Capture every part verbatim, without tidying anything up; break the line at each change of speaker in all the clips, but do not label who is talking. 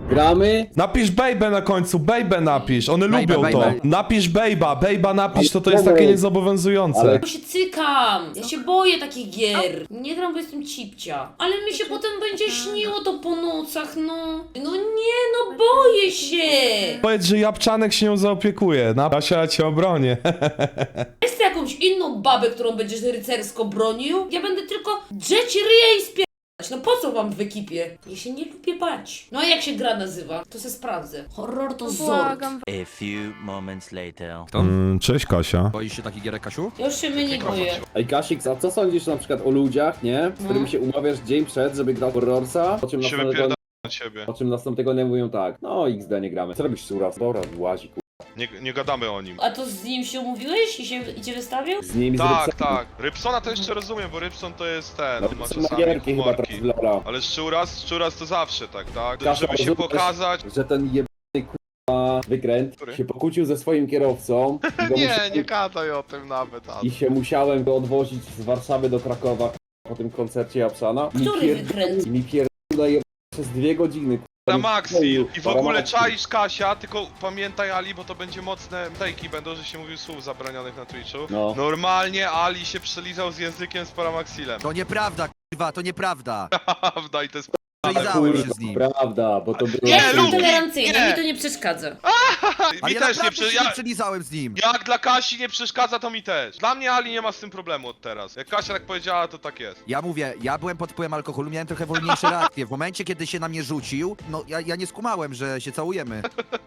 Gramy?
Napisz baby na końcu, baby napisz, one
Baby,
lubią
baby.
to. Napisz bejba, bejba napisz, to to jest takie niezobowiązujące.
Ale-
Ja się cykam! Ja się boję takich gier. Nie gram, bo jestem cipcia. Ale mi się potem będzie śniło to po nocach, no. No nie, no boję się!
Powiedz, że Japczanek się nią zaopiekuje, na Kasia cię obronię.
Jest jakąś inną babę, którą będziesz rycersko bronił? Ja będę tylko drzeć ryja i spierdać. No po co wam w ekipie? Ja się nie lubię bać. No a jak się gra nazywa? To se sprawdzę. Horror to zord.
Błagam.
A few moments later.
Mm, cześć Kasia.
Boisz się takich gierek, Kasiu?
Ja już się mnie nie boję.
Ej, Kasik, a co sądzisz na przykład o ludziach, nie? Z którymi się umawiasz dzień przed, żeby grać horrorsa? Po czym
się
następnego,
wypierdala na ciebie.
po czym następnego dnia mówią tak. No, X D nie gramy. Co robisz Suras? Dobra, łazi, ku...
Nie, nie gadamy o nim.
A to z nim się umówiłeś i się i cię wystawił?
Z nimi
Tak,
z Rybsonem.
tak. Rybsona to jeszcze rozumiem, bo Rybson to jest ten,
No,
on ma
Rybson ma
czasami
gierki chyba teraz
humorki.
w Lola.
Ale Szczuras, Szczuras to zawsze tak, tak?
Kasia,
Żeby się
rozumiesz,
pokazać.
Że ten jebany k***a wykręt
Który?
się pokłócił ze swoim kierowcą. I go
Nie,
musiałem-
nie gadaj o tym nawet. A...
I się musiałem go odwozić z Warszawy do Krakowa po tym koncercie Japszana. I mi
Który
pierd-
wykręt?
I mi pierdolę przez dwie godziny.
Na Maxi. I w ogóle
Maxi.
czaisz Kasia, tylko pamiętaj Ali, bo to będzie mocne take'i będą, że się mówił słów zabronionych na Twitchu.
No.
Normalnie Ali się przelizał z językiem z Paramaxilem.
To nieprawda, kurwa, to nieprawda.
Prawda i to jest
Przelizałem się z nim.
Prawda, bo to było...
Ja
Nie,
jestem
lubię.
tolerancyjna,
Nie.
mi to nie przeszkadza.
Ale
mi
ja
też nie
naprawdę
przy...
się nie
ja...
przelizałem z nim.
Jak dla Kasi nie przeszkadza, to mi też. Dla mnie Ali nie ma z tym problemu od teraz. Jak Kasia tak powiedziała, to tak jest.
Ja mówię, ja byłem pod wpływem alkoholu, miałem trochę wolniejsze reakcje. W momencie, kiedy się na mnie rzucił, no ja, ja nie skumałem, że się całujemy.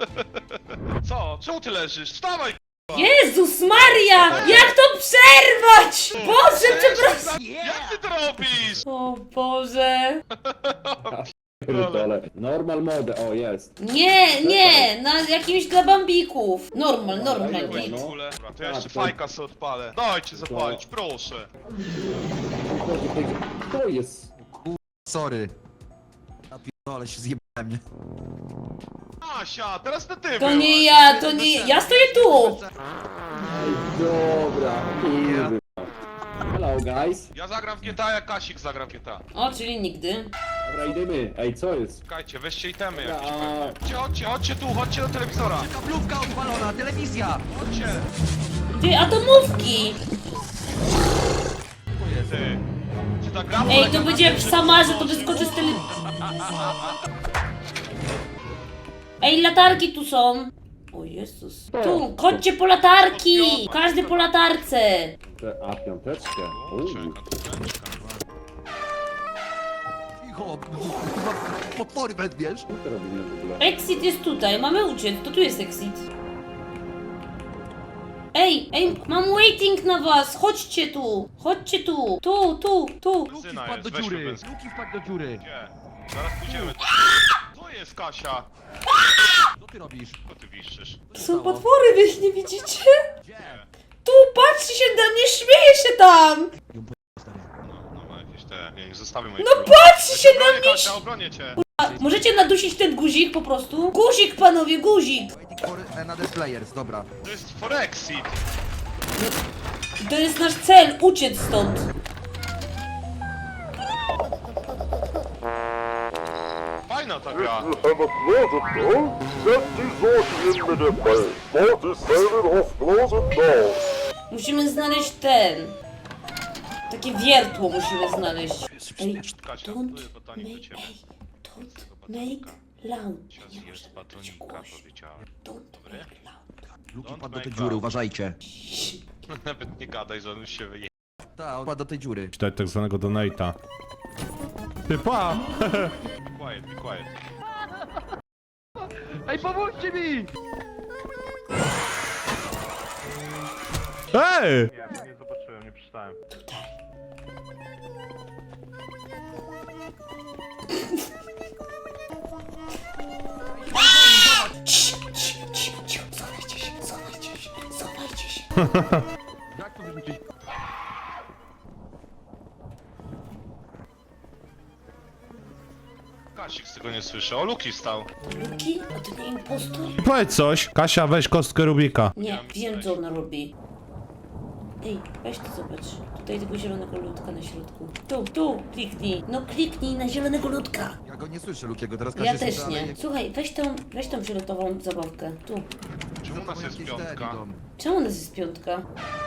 Co? Czemu ty leżysz? Wstawaj!
Jezus Maria! Jak to przerwać? Boże, przepraszam!
Jak ty to robisz?
O Boże.
Pierdolę. Normal mode, o jest.
Nie, nie, na jakimś dla bambików. Normal, normal,
Dobra,
git.
no.
Dobra, to ja
Tak,
jeszcze
to-
fajka sobie odpalę. Dajcie zapalić, proszę.
To jest...
Sorry. Ja pierdolę, się zjebałem, nie?
Asia, teraz to ty
To nie
byłaś.
ja, to nie ja stoję tu.
Ej, dobra. kurwa. Hello guys.
Ja zagram w G T A, jak Kasik zagra w G T A.
O, czyli nigdy.
Dobra, idziemy. Ej, co jest?
Czekajcie, weźcie itemy jakieś
A-
pewnie. Chodźcie, chodźcie, chodźcie tu, chodźcie do telewizora.
Kablówka odpalona, telewizja!
Chodźcie.
Ty, atomówki.
Ty. Czy ta gra
Ej, to będzie jak w Samarze, to wyskoczy z tele... Ej, latarki tu są. O Jezus. Tu, chodźcie po latarki. Każdy po latarce.
Te- A, piąteczkę. Uuu.
Czeka, to tęczka.
Cicho, kurwa, potwory wezmiesz.
Co to robimy w ogóle?
Exit jest tutaj, mamy uciec, to tu jest exit. Ej, ej, mam waiting na was, chodźcie tu, chodźcie tu, tu, tu, tu.
Luki
Syna
wpadł
jest,
do
weźmy
dziury,
bez-
Luki wpadł do dziury.
Gdzie? Zaraz pójdziemy. Co jest Kasia?
Co ty robisz?
Co ty wiszczysz?
To są potwory, wy ich nie widzicie? Tu, patrzcie się na mnie, śmieje się tam.
No, no ma jakieś te... Ja nie zostawię mojej
No patrzcie się na mnie.
Kasia, obronię cię.
A, możecie nadusić ten guzik po prostu? Guzik, panowie, guzik.
Waiting for another players, dobra.
To jest Forexit.
To jest nasz cel, uciec stąd.
Fajna ta gra.
have a closet door. Set die Sorte in mit dem Ball. Sport is selling off closet doors.
Musimy znaleźć ten. Takie wiertło musimy znaleźć. Ej,
Kasia,
don't
tu batonik do
make,
ciebie.
ej, don't make loud. Nie
Zjesz
może być
batonika,
głośno.
powiedziałem.
Don't make loud.
Luki
Don't
wpadł do
make
tej dziury,
loud.
uważajcie.
Nawet nie gadaj, że on już się wyje...
Tak, on wpadł do tej dziury.
Czytać tak zwanego donate'a. Ty pa!
Quiet, be quiet.
Ej, pomóżcie mi!
Ej!
Nie, nie zobaczyłem, nie przeczytałem.
Cii, cii, cii, cii, schowajcie się, schowajcie się, schowajcie się.
Jak to wyrzucić?
Kasik z tego nie słyszy. O, Luki stał.
Luki? A to nie impostor?
Powiedz coś. Kasia, weź kostkę Rubika.
Nie, wiem co ona robi. Ej, weź to zobacz. Tutaj Daj tego zielonego ludka na środku. Tu, tu, kliknij. No kliknij na zielonego ludka.
Ja go nie słyszę, Lukiego, teraz
Ja
Kasia
też
słyszy,
nie.
ale-
Słuchaj, weź tą, weź tą fioletową zabawkę. Tu.
Czemu u nas jest
Jakieś te
piątka?
idą.
Czemu u nas jest piątka?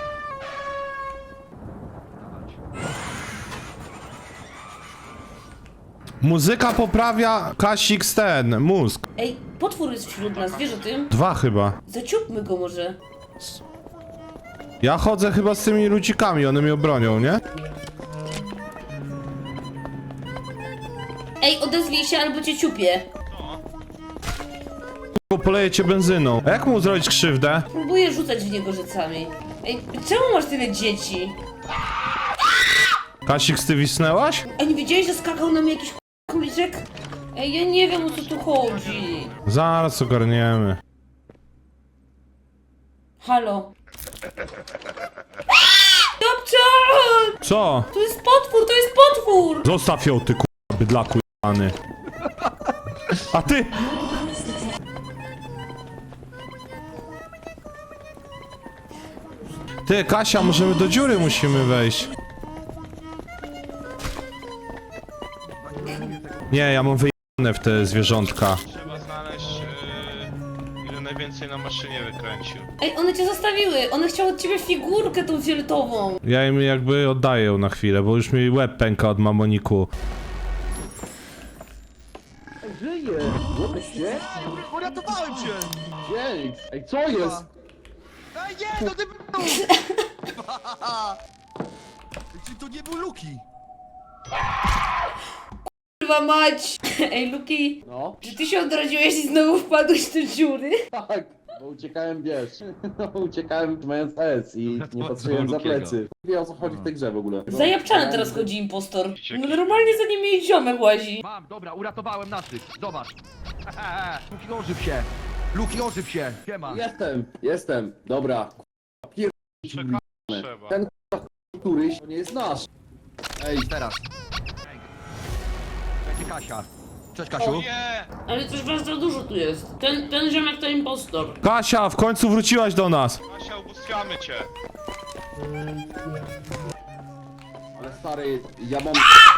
Muzyka poprawia Kasik ten, mózg.
Ej, potwór jest wśród nas, wiesz o tym?
Dwa chyba.
Zaciupmy go może.
Ja chodzę chyba z tymi ludzikami, one mnie obronią, nie?
Ej, odezwij się albo cię ciupię.
Bo poleję cię benzyną. A jak mu zrobić krzywdę?
Próbuję rzucać w niego rzecami. Ej, czemu masz tyle dzieci?
Kasik, ty wisnęłaś?
A nie widziałeś, że skakał na mnie jakiś króliczek? Ej, ja nie wiem, o co tu chodzi.
Zaraz ogarniemy.
Halo. Dobczan!
Co?
To jest potwór, to jest potwór!
Zostaw ją, ty k***a, bydlaku jebany. A ty! Ty, Kasia, możemy do dziury musimy wejść. Nie, ja mam wyjebane w te zwierzątka.
Trzeba znaleźć, yy, ile najwięcej na maszynie wykręcił.
Ej, one cię zostawiły. One chciały od ciebie figurkę tą fioletową.
Ja im jakby oddaję ją na chwilę, bo już mi łeb pęka od mamoniku.
Żyje! Łodyście?
Uratowałem cię!
Dzięki! Ej, co jest?
Ej, nie, to ty był! Czy to nie był Luki?
Kurwa mać! Ej, Luki,
No,
czy ty się odrodziłeś i znowu wpadłeś do dziury?
tak, bo uciekałem, wiesz, no, uciekałem mając S i nie patrzyłem za plecy. Nie wiem, o co chodzi w tej grze w ogóle.
Za Japczana teraz chodzi impostor. No normalnie za nim jej ziomek łazi.
Mam, dobra, uratowałem naszych. Zobacz. Luki, ożyw się. Luki, ożyw się. Siema.
Jestem, jestem, dobra. Pier...
Trzeba.
Ten k***a, któryś, to nie jest nasz. Ej,
Teraz. Będzie Kasia. Cześć,
O
Kasiu.
nie!
Ale coś was za dużo tu jest. Ten, ten ziomek to impostor.
Kasia, w końcu wróciłaś do nas.
Kasia, ubóstwiamy cię.
ale stary, ja mam...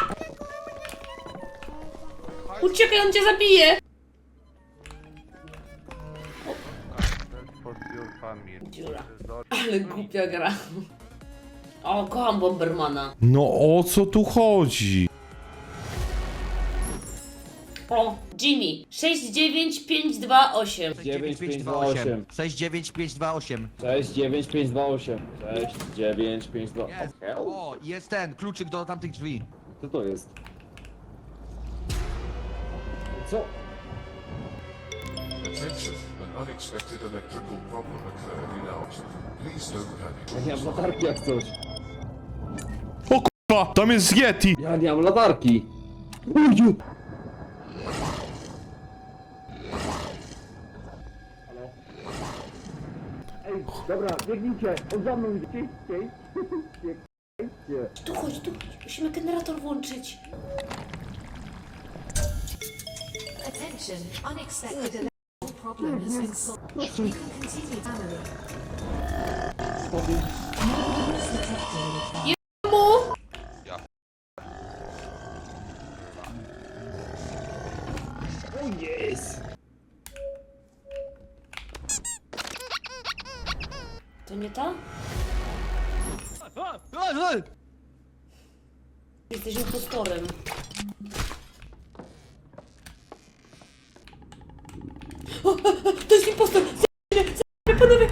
Uciekaj, on cię zabije! Dziura. Ale głupia gra. O, kocham Bombermana.
No o co tu chodzi?
O, Jimmy. sześć dziewięć pięć dwa osiem.
dziewięć pięć dwa osiem.
sześć dziewięć pięć dwa osiem.
sześć dziewięć pięć dwa osiem. sześć dziewięć pięć dwa osiem.
Jest. O, jest ten, kluczyk do tamtych drzwi.
Co to jest? Co?
Attention, an unexpected electrical problem occurred in ours. Please don't panic.
Ja nie mam latarki jak coś.
O k***a, tam jest Yeti.
Ja nie mam latarki. Uju! Halo? Ej, dobra, biegnijcie, on za mną idzie. Ciej, ciej.
Tu chodź, tu chodź. Musimy generator włączyć.
Attention, unexpected electrical problem has been solved. You can continue family. Noise detected.
Mu!
O jest!
To nie ta? Jesteś impostorem. O, o, o, to jest impostor! Zabijmy, zabijmy, panowie!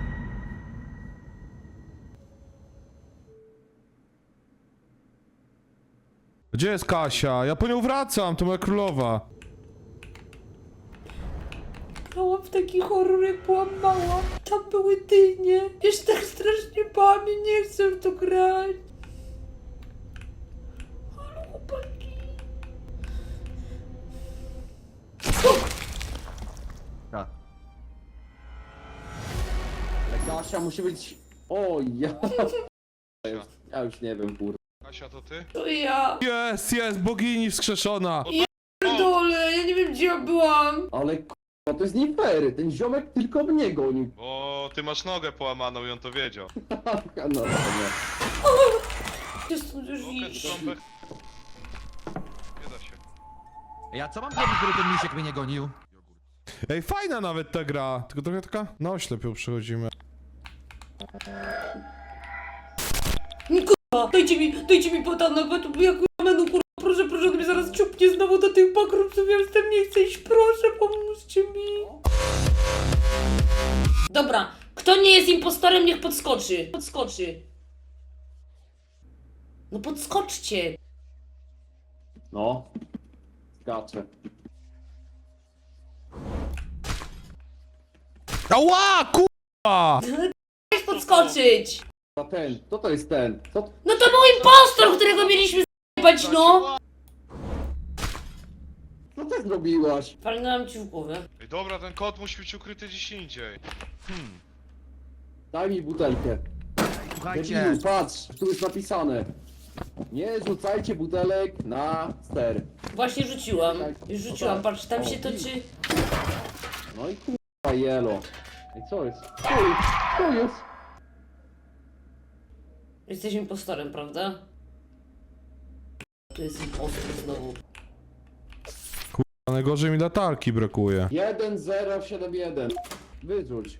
Gdzie jest Kasia? Ja po nią wracam, to moja królowa.
Grałam w taki horror, jak byłam mała. Tam były dynie. Ja się tak strasznie bałam i nie chcę w to grać. Ale chłopaki.
Tak.
Ale Kasia musi być... O ja... Ja już nie wiem, kur...
Kasia, to ty?
To ja.
Jest, jest, bogini wskrzeszona.
Pierdolę, ja nie wiem, gdzie ja byłam.
Ale k***a, to jest nie fair. Ten ziomek tylko mnie goni.
Bo ty masz nogę połamaną i on to wiedział.
No, no, nie.
Jest tu już
Okej,
iść.
trąbek. Nie da się.
Ja co mam zrobić, żeby ten misiek mnie nie gonił?
Ej, fajna nawet ta gra, tylko trochę taka na oślep ją przechodzimy.
Nie kurwa, dajcie mi, dajcie mi podanek, bo tu ja kurwa menu kurwa, proszę, proszę, on mnie zaraz ciupnie znowu do tych bakrumców, ja już tam nie chcę iść, proszę, pomóżcie mi. Dobra, kto nie jest impostorem, niech podskoczy, podskoczy. No podskoczcie.
No. Skaczę.
Ała, kurwa!
Chcesz podskoczyć.
A ten, co to jest ten? Co?
No to był impostor, którego mieliśmy zjebać, no.
Co ty zrobiłaś?
Walnęłam ci w głowę.
Ej, dobra, ten kot musi być ukryty gdzieś indziej.
Daj mi butelkę.
Słuchajcie,
Debilu, patrz, tu jest napisane. Nie rzucajcie butelek na ster.
Właśnie rzuciłam. Już rzuciłam, patrz, tam się toczy...
No i kurwa jelo. Ej, co jest? Co jest? Co jest?
Jesteś impostorem, prawda? Tu jest impostor znowu.
A najgorzej mi latarki brakuje.
jeden zero siedem jeden. Wyrzuć.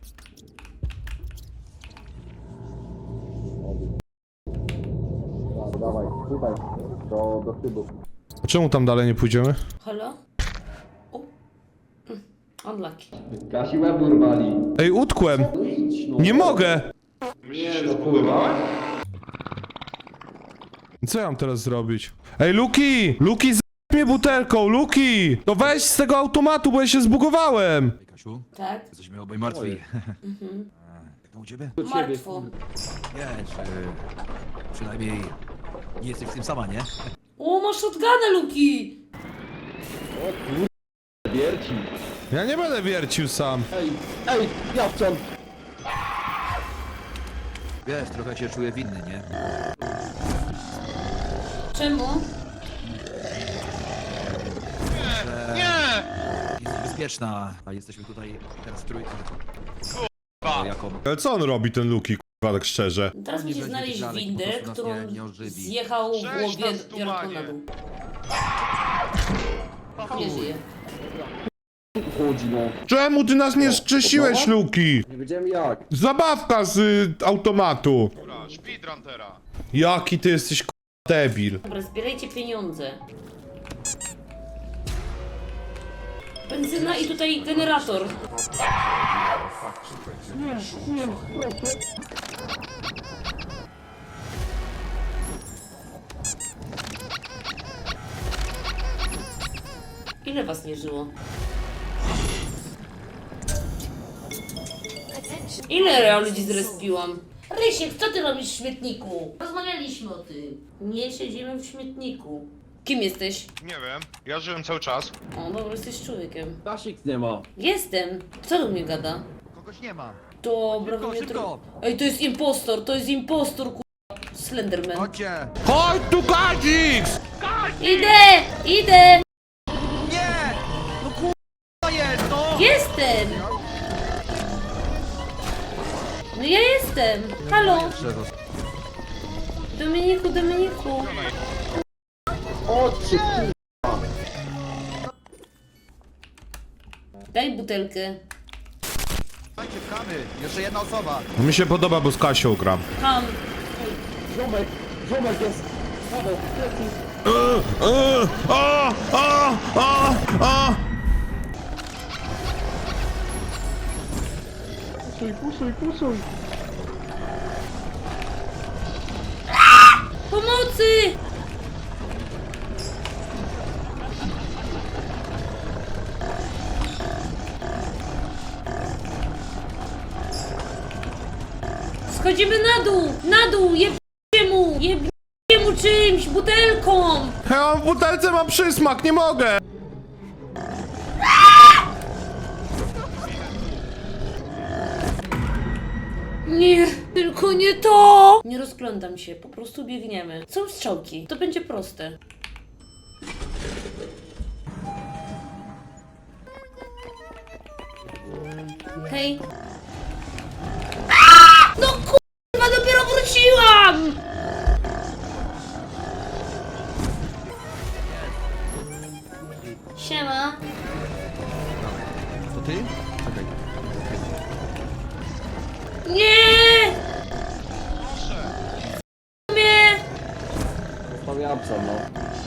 Dobra, dawaj, tutaj. Do, do tyłu.
A czemu tam dalej nie pójdziemy?
Halo? O. Mm, Unlucky.
Kasi łeb urwali.
Ej, utkłem!
No idź no.
Nie mogę!
Nie no kurwa.
Co ja mam teraz zrobić? Ej, Luki! Luki, z mnie butelką, Luki! To weź z tego automatu, bo ja się zbugowałem!
Ej, Kasiu,
Tak?
jesteśmy obaj martwi. Jak tam u ciebie?
Do ciebie.
Martwo.
Wiesz, yy, przynajmniej nie jesteś w tym sama, nie?
O, masz shotgunę, Luki!
O kurwa, wierci.
Ja nie będę wiercił sam.
Ej, ej, jawczan.
Wiesz, trochę się czuję winny, nie?
Czemu?
Nie!
Jest bezpieczna, a jesteśmy tutaj teraz w trójkę.
Kurwa.
Jako...
Ale co on robi, ten Luki, kurwa, tak szczerze?
Teraz
Nie
musi
będzie
znaleźć
tych lalek, po
windę,
prostu nas
którą
nie- nie ożywi.
zjechał w
Cześć,
głowie
nas tu,
biorąc
panie.
na dół. Nie żyje.
Chodzi no.
Czemu ty nas nie skrzesiłeś, Luki?
Nie wiedziałem jak.
Zabawka z y, automatu.
Dobra, speedrun teraz.
Jaki ty jesteś, kurwa, debil.
Dobra, zbierajcie pieniądze. Benzyna i tutaj generator. Ile was nie żyło?
Attention.
Ile ja ludzi zrespiłam? Rysiek, co ty robisz w śmietniku? Rozmawialiśmy o tym. Nie siedzimy w śmietniku. Kim jesteś?
Nie wiem, ja żyłem cały czas.
O, dobra, jesteś człowiekiem.
Kasik nie ma.
Jestem. Kto do mnie gada?
Kogoś nie ma.
Dobra,
Szybko,
mnie
szybko.
tro- Ej, to jest impostor, to jest impostor, ku... Slenderman.
Chodźcie!
Chodź tu, Kadzix!
Idę! Idę!
Nie! No kurwa jest, no!
Jestem! No ja jestem! Halo! Dominiku, Dominiku!
O czy
Daj butelkę.
Słuchajcie, pchamy! Jeszcze jedna osoba!
Mi się podoba, bo z Kasią gram.
Ham.
ziomek, ziomek jest. Paweł, plecy.
E, e, a, a, a, a.
Puszuj, puszuj, puszuj.
Pomocy! Schodzimy na dół! Na dół! Jebcie mu! Jebcie mu czymś! Butelką!
Ja mam w butelce, mam przysmak, nie mogę!
Nie, tylko nie to! Nie rozglądam się, po prostu biegniemy. Są strzałki, to będzie proste. Hej. No kurwa, dopiero wróciłam! Siema.
To ty? Czekaj.
Nie! Mnie!
Zostawiam psa, no.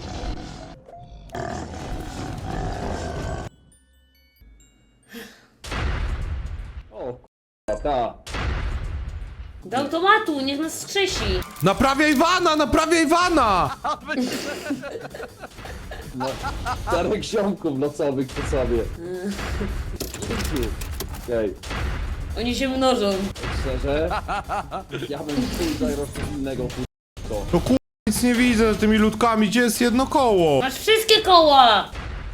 O k***a, ta.
Do automatu, niech nas skrzesi.
Naprawiaj Wana, naprawiaj Wana!
No, czterech ziomków nocowych przy sobie. Okej,
Oni się mnożą.
szczerze, ja bym chuj zagrał coś innego, k***o.
No kur... nic nie widzę za tymi ludkami, gdzie jest jedno koło?
Masz wszystkie koła!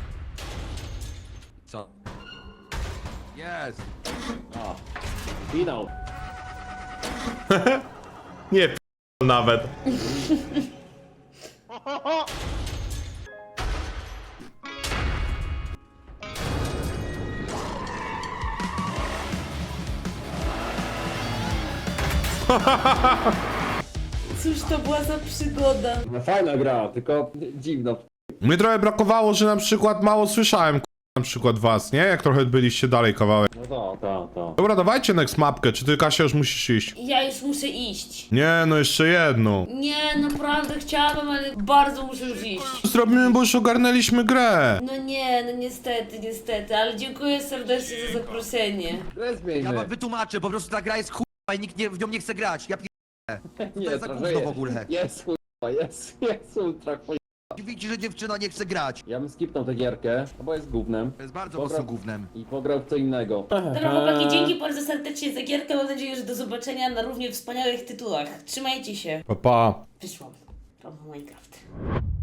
Co? Jest!
A, finał.
Nie p... nawet.
Cóż to była za przygoda?
No fajna gra, tylko dziwna.
Mnie trochę brakowało, że na przykład mało słyszałem k... na przykład was, nie? Jak trochę byliście dalej kawałek.
No to, to, to.
Dobra, dawajcie next mapkę, czy ty Kasia już musisz iść?
Ja już muszę iść.
Nie, no jeszcze jedną.
Nie, naprawdę chciałabym, ale bardzo muszę już iść.
Zrobimy, bo już ogarnęliśmy grę.
No nie, no niestety, niestety, ale dziękuję serdecznie za zaproszenie.
Grę
Ja
zmieńmy.
wam wytłumaczę, po prostu ta gra jest chujowa i nikt nie, w nią nie chce grać. Ja pierdolę.
Nie,
To jest za
trochę
gówno w ogóle.
Jest chuj, jest, jest ultra chuj.
Widzicie, że dziewczyna nie chce grać.
Ja bym skipnął tę gierkę, no bo jest gównem.
To jest bardzo
Dobra.
po prostu gównem.
I pograł w co innego.
Dobra chłopaki, dzięki bardzo serdecznie za gierkę, mam nadzieję, że do zobaczenia na równie wspaniałych tytułach. Trzymajcie się.
Pa, pa.
Wyszłam. From Minecraft.